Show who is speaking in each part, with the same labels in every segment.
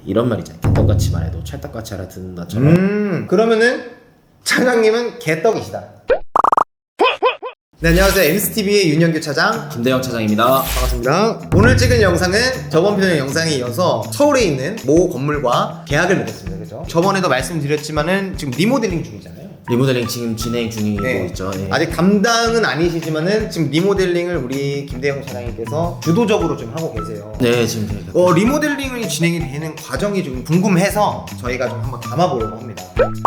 Speaker 1: 이런 말 있잖아요. 개떡같이 말해도 찰떡같이 알아듣는다처럼.
Speaker 2: 그러면은 차장님은 개떡이시다. 네, 안녕하세요. MCTV의 윤영규 차장
Speaker 1: 김대영 차장입니다.
Speaker 2: 반갑습니다. 오늘 찍은 영상은 저번 편의 영상에 이어서 서울에 있는 모 건물과 계약을 맺었습니다. 그죠? 저번에도 말씀드렸지만은 지금 리모델링 중이잖아요.
Speaker 1: 리모델링 지금 진행 중이고 있죠. 네.
Speaker 2: 아직 담당은 아니시지만은 지금 리모델링을 우리 김대영 차장님께서 주도적으로 좀 하고 계세요.
Speaker 1: 네, 지금 저희가
Speaker 2: 리모델링이 진행이 되는 과정이 좀 궁금해서 저희가 좀 한번 담아보려고 합니다.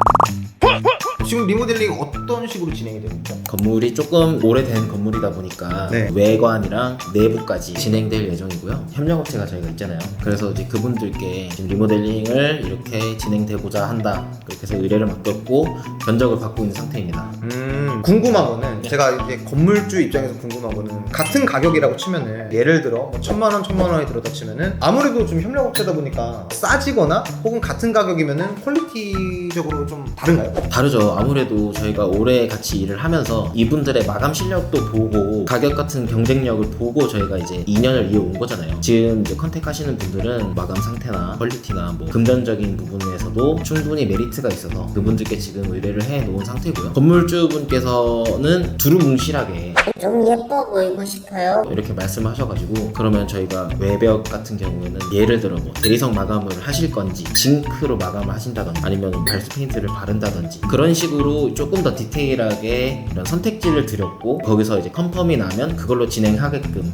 Speaker 2: 지금 리모델링 어떤 식으로 진행이 되고 있죠?
Speaker 1: 건물이 조금 오래된 건물이다 보니까
Speaker 2: 네.
Speaker 1: 외관이랑 내부까지 진행될 예정이고요. 협력업체가 저희가 있잖아요. 그래서 이제 그분들께 지금 리모델링을 이렇게 진행되고자 한다. 그렇게 해서 의뢰를 맡겼고 견적을 받고 있는 상태입니다.
Speaker 2: 궁금한 거는 제가 이제 건물주 입장에서 궁금한 거는 같은 가격이라고 치면은 예를 들어 뭐 1,000만 원이 들었다 치면은 아무래도 좀 협력업체다 보니까 싸지거나 혹은 같은 가격이면은 퀄리티적으로 좀 다른가요?
Speaker 1: 다르죠. 아무래도 저희가 오래 같이 일을 하면서 이분들의 마감 실력도 보고 가격 같은 경쟁력을 보고 저희가 이제 2년을 이어온 거잖아요. 지금 이제 컨택 하시는 분들은 마감 상태나 퀄리티나 뭐 금전적인 부분에서도 충분히 메리트가 있어서 그분들께 지금 의뢰를 해 놓은 상태고요. 건물주분께서는 두루뭉실하게
Speaker 3: 좀 예뻐 보이고 싶어요.
Speaker 1: 이렇게 말씀하셔가지고 그러면 저희가 외벽 같은 경우에는 예를 들어 뭐 대리석 마감을 하실 건지 징크로 마감을 하신다든지 아니면 발수 페인트를 바른다든지 그런 식으로 조금 더 디테일하게 이런 선택지를 드렸고 거기서 이제 컨펌이 나면 그걸로 진행하게끔.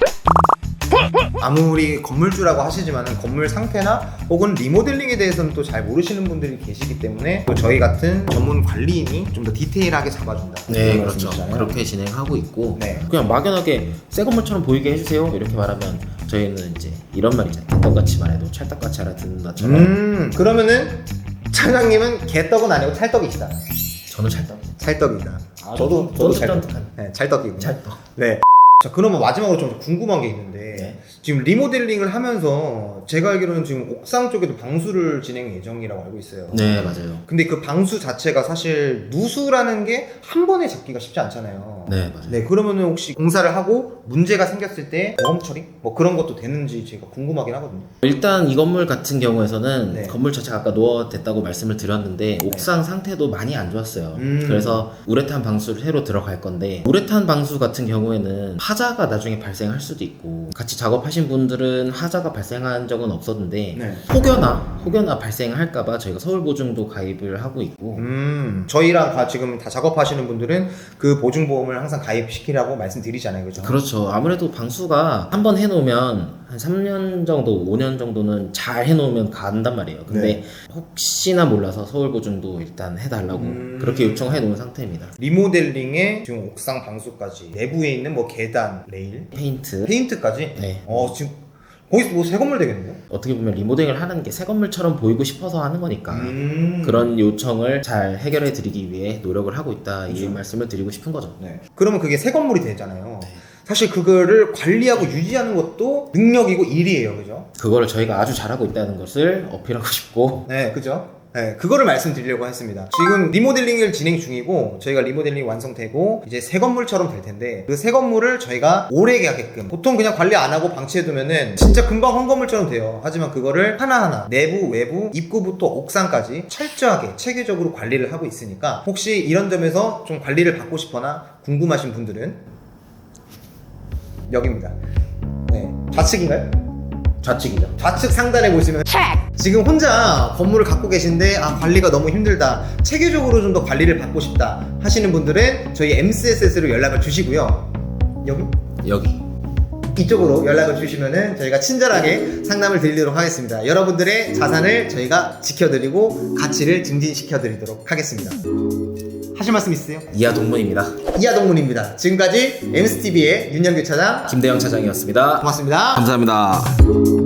Speaker 2: 아무리 건물주라고 하시지만은 건물 상태나 혹은 리모델링에 대해서는 또 잘 모르시는 분들이 계시기 때문에 또 저희 같은 전문 관리인이 좀 더 디테일하게 잡아준다.
Speaker 1: 네, 그렇죠.
Speaker 2: 말씀이시잖아요.
Speaker 1: 그렇게 진행하고 있고
Speaker 2: 네.
Speaker 1: 그냥 막연하게 새 건물처럼 보이게 해주세요 이렇게 말하면 저희는 이제 이런 말 있잖아요. 개떡같이 말해도 찰떡같이 알아듣는다처럼.
Speaker 2: 그러면은 차장님은 개떡은 아니고 찰떡이시다.
Speaker 1: 저는 찰떡.
Speaker 2: 찰떡이다.
Speaker 1: 저도
Speaker 2: 찰떡.
Speaker 1: 찰떡한.
Speaker 2: 네, 찰떡이고.
Speaker 1: 찰떡.
Speaker 2: 네. 자, 그러면 마지막으로 좀 궁금한 게 있는데
Speaker 1: 네.
Speaker 2: 지금 리모델링을 하면서 제가 알기로는 지금 옥상 쪽에도 방수를 진행 예정이라고 알고 있어요.
Speaker 1: 네, 맞아요.
Speaker 2: 근데 그 방수 자체가 사실 누수라는 게 한 번에 잡기가 쉽지 않잖아요.
Speaker 1: 네, 맞아요.
Speaker 2: 네, 그러면은 혹시 공사를 하고 문제가 생겼을 때 보험 처리? 뭐 그런 것도 되는지 제가 궁금하긴 하거든요.
Speaker 1: 일단 이 건물 같은 경우에서는
Speaker 2: 네.
Speaker 1: 건물 자체가 아까 노후됐다고 말씀을 드렸는데 옥상 상태도 많이 안 좋았어요. 그래서 우레탄 방수를 새로 들어갈 건데 우레탄 방수 같은 경우에는 하자가 나중에 발생할 수도 있고 같이 작업하신 분들은 하자가 발생한 적은 없었는데
Speaker 2: 네.
Speaker 1: 혹여나 발생할까봐 저희가 서울보증도 가입을 하고 있고
Speaker 2: 저희랑 지금 다 작업하시는 분들은 그 보증보험을 항상 가입시키라고 말씀드리잖아요, 그죠?
Speaker 1: 그렇죠. 아무래도 방수가 한 번 해놓으면 한 3년 정도, 5년 정도는 잘 해놓으면 간단 말이에요. 근데
Speaker 2: 네.
Speaker 1: 혹시나 몰라서 서울보증도 일단 해달라고 그렇게 요청해 놓은 상태입니다.
Speaker 2: 리모델링에 지금 옥상 방수까지 내부에 있는 뭐 계단, 레일, 페인트까지?
Speaker 1: 네.
Speaker 2: 지금 거기서 뭐 새 건물 되겠네요?
Speaker 1: 어떻게 보면 리모델링을 하는 게 새 건물처럼 보이고 싶어서 하는 거니까 그런 요청을 잘 해결해 드리기 위해 노력을 하고 있다 이 말씀을 드리고 싶은 거죠.
Speaker 2: 네. 그러면 그게 새 건물이 되잖아요.
Speaker 1: 네.
Speaker 2: 사실 그거를 관리하고 유지하는 것도 능력이고 일이에요, 그죠?
Speaker 1: 그거를 저희가 아주 잘하고 있다는 것을 어필하고 싶고
Speaker 2: 네, 그죠? 네, 그거를 말씀드리려고 했습니다. 지금 리모델링을 진행 중이고 저희가 리모델링이 완성되고 이제 새 건물처럼 될 텐데 그 새 건물을 저희가 오래 가게끔 보통 그냥 관리 안 하고 방치해두면은 진짜 금방 한 건물처럼 돼요. 하지만 그거를 하나하나 내부, 외부, 입구부터 옥상까지 철저하게 체계적으로 관리를 하고 있으니까 혹시 이런 점에서 좀 관리를 받고 싶거나 궁금하신 분들은 여기입니다. 네, 좌측인가요?
Speaker 1: 좌측이죠.
Speaker 2: 좌측 상단에 보시면 지금 혼자 건물을 갖고 계신데 관리가 너무 힘들다, 체계적으로 좀 더 관리를 받고 싶다 하시는 분들은 저희 MCSS로 연락을 주시고요.
Speaker 1: 여기
Speaker 2: 이쪽으로 연락을 주시면은 저희가 친절하게 상담을 드리도록 하겠습니다. 여러분들의 자산을 저희가 지켜드리고 가치를 증진시켜드리도록 하겠습니다. 하실 말씀 있으세요?
Speaker 1: 이하 동문입니다.
Speaker 2: 이하동문입니다. 지금까지 MCTV의 윤영규 차장
Speaker 1: 김대영 차장이었습니다.
Speaker 2: 고맙습니다.
Speaker 1: 감사합니다.